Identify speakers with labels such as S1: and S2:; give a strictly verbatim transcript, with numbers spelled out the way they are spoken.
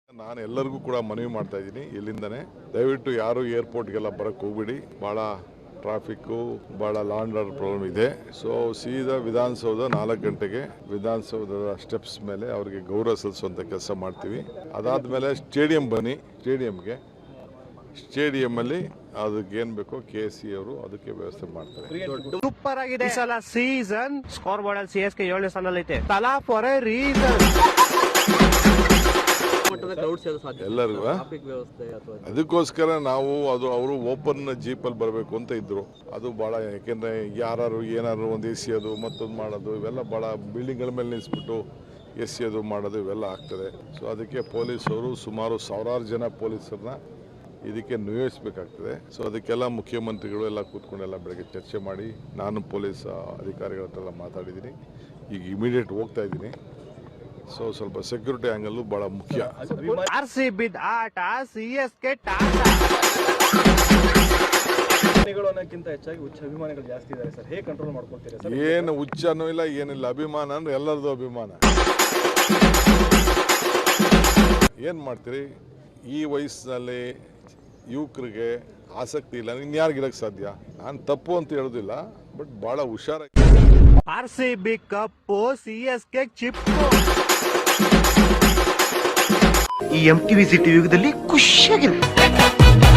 S1: ನಾನು ಎಲ್ಲರಿಗೂ ಕೂಡ ಮನವಿ ಮಾಡ್ತಾ ಇದ್ದೀನಿ ಇಲ್ಲಿಂದನೇ ದಯವಿಟ್ಟು ಯಾರು ಏರ್ಪೋರ್ಟ್ಗೆಲ್ಲ ಬರಕ್ಕೆ ಹೋಗ್ಬಿಡಿ. ಭಾಳ ಟ್ರಾಫಿಕ್ಕು ಭಾಳ ಲಾಂಡ್ ಆರ್ಡರ್ ಪ್ರಾಬ್ಲಮ್ ಇದೆ. ಸೊ ಸೀದಾ ವಿಧಾನಸೌಧ ನಾಲ್ಕು ಗಂಟೆಗೆ ವಿಧಾನಸೌಧದ ಸ್ಟೆಪ್ಸ್ ಮೇಲೆ ಅವರಿಗೆ ಗೌರವ ಸಲ್ಲಿಸುವಂಥ ಕೆಲಸ ಮಾಡ್ತೀವಿ. ಅದಾದಮೇಲೆ ಸ್ಟೇಡಿಯಂ ಬನ್ನಿ, ಸ್ಟೇಡಿಯಂಗೆ ಸ್ಟೇಡಿಯಂಲ್ಲಿ ಅದಕ್ಕೆ ಏನ್ ಬೇಕೋ ಕೆ ಎಸ್ ಸಿ ಅವರು ಅದಕ್ಕೆ ವ್ಯವಸ್ಥೆ ಮಾಡ್ತಾರೆ.
S2: ಸೂಪರ್ ಆಗಿದೆ ಈ ಸಲ ಸೀಸನ್. ಸ್ಕೋರ್ ಬೋರ್ಡ್ ಅಲ್ಲಿ ಸಿ ಎಸ್ ಕೆ ಏಳನೇ ಸ್ಥಾನದಲ್ಲಿ ಐತೆ. ತಲಾ ಫಾರ್ ಎ ರೀಸನ್.
S1: ಎಲ್ಲರಿಗೂ ಅದಕ್ಕೋಸ್ಕರ ನಾವು ಅದು ಅವರು ಓಪನ್ ಜೀಪಲ್ಲಿ ಬರಬೇಕು ಅಂತ ಇದ್ರು. ಅದು ಭಾಳ ಯಾಕೆಂದ್ರೆ ಯಾರು ಏನಾದ್ರು ಒಂದು ಎ ಸಿ ಅದು ಮತ್ತೊಂದು ಮಾಡೋದು ಇವೆಲ್ಲ ಭಾಳ ಬಿಲ್ಡಿಂಗ್ಗಳ ಮೇಲೆ ನಿಲ್ಲಿಸ್ಬಿಟ್ಟು ಎ ಸಿ ಅದು ಮಾಡೋದು ಇವೆಲ್ಲ ಆಗ್ತದೆ. ಸೊ ಅದಕ್ಕೆ ಪೊಲೀಸರು ಸುಮಾರು ಸಾವಿರಾರು ಜನ ಪೊಲೀಸರನ್ನ ಇದಕ್ಕೆ ನಿಯೋಜಿಸಬೇಕಾಗ್ತದೆ. ಸೊ ಅದಕ್ಕೆಲ್ಲ ಮುಖ್ಯಮಂತ್ರಿಗಳು ಎಲ್ಲ ಕೂತ್ಕೊಂಡೆಲ್ಲ ಬೆಳಗ್ಗೆ ಚರ್ಚೆ ಮಾಡಿ ನಾನು ಪೊಲೀಸ್ ಅಧಿಕಾರಿಗಳ ಹತ್ರ ಮಾತಾಡಿದ್ದೀನಿ. ಈಗ ಇಮಿಡಿಯೇಟ್ ಹೋಗ್ತಾ ಇದ್ದೀನಿ. ಸೊ ಸ್ವಲ್ಪ ಸೆಕ್ಯೂರಿಟಿ ಆಂಗಲ್ ಬಹಳ ಮುಖ್ಯ.
S2: ಆರ್ ಸಿ ಬಿ ಆಟ, ಸಿ ಎಸ್ ಕೆ
S3: ಅನ್ನೋಕ್ಕಿಂತ ಹೆಚ್ಚಾಗಿ ಹುಚ್ಚ ಅಭಿಮಾನಿಗಳು ಜಾಸ್ತಿ ಇದ್ದಾರೆ ಸರ್. ಹೇಗೆ ಕಂಟ್ರೋಲ್ ಮಾಡ್ಕೊಳ್ತೀರಾ ಸರ್?
S1: ಏನು ಹುಚ್ಚನೂ ಇಲ್ಲ ಏನಿಲ್ಲ, ಅಭಿಮಾನ ಅಂದ್ರೆ ಎಲ್ಲರದು ಅಭಿಮಾನ. ಏನು ಮಾಡ್ತೀರಿ, ಈ ವಯಸ್ಸಿನಲ್ಲಿ ಯುವಕರಿಗೆ ಆಸಕ್ತಿ ಇಲ್ಲ, ಇನ್ಯಾರಿಗಿರಕ್ಕೆ ಸಾಧ್ಯ? ನಾನು ತಪ್ಪು ಅಂತ ಹೇಳೋದಿಲ್ಲ, ಬಟ್ ಭಾಳ ಹುಷಾರಾಗಿ.
S2: R C B cup, C S K ಚಿಪ್ಪು.
S4: ಈ ಎಂ ಟಿ ವಿ ಸಿಟಿ ಯುಗದಲ್ಲಿ ಖುಷಿಯಾಗಿರುತ್ತೆ.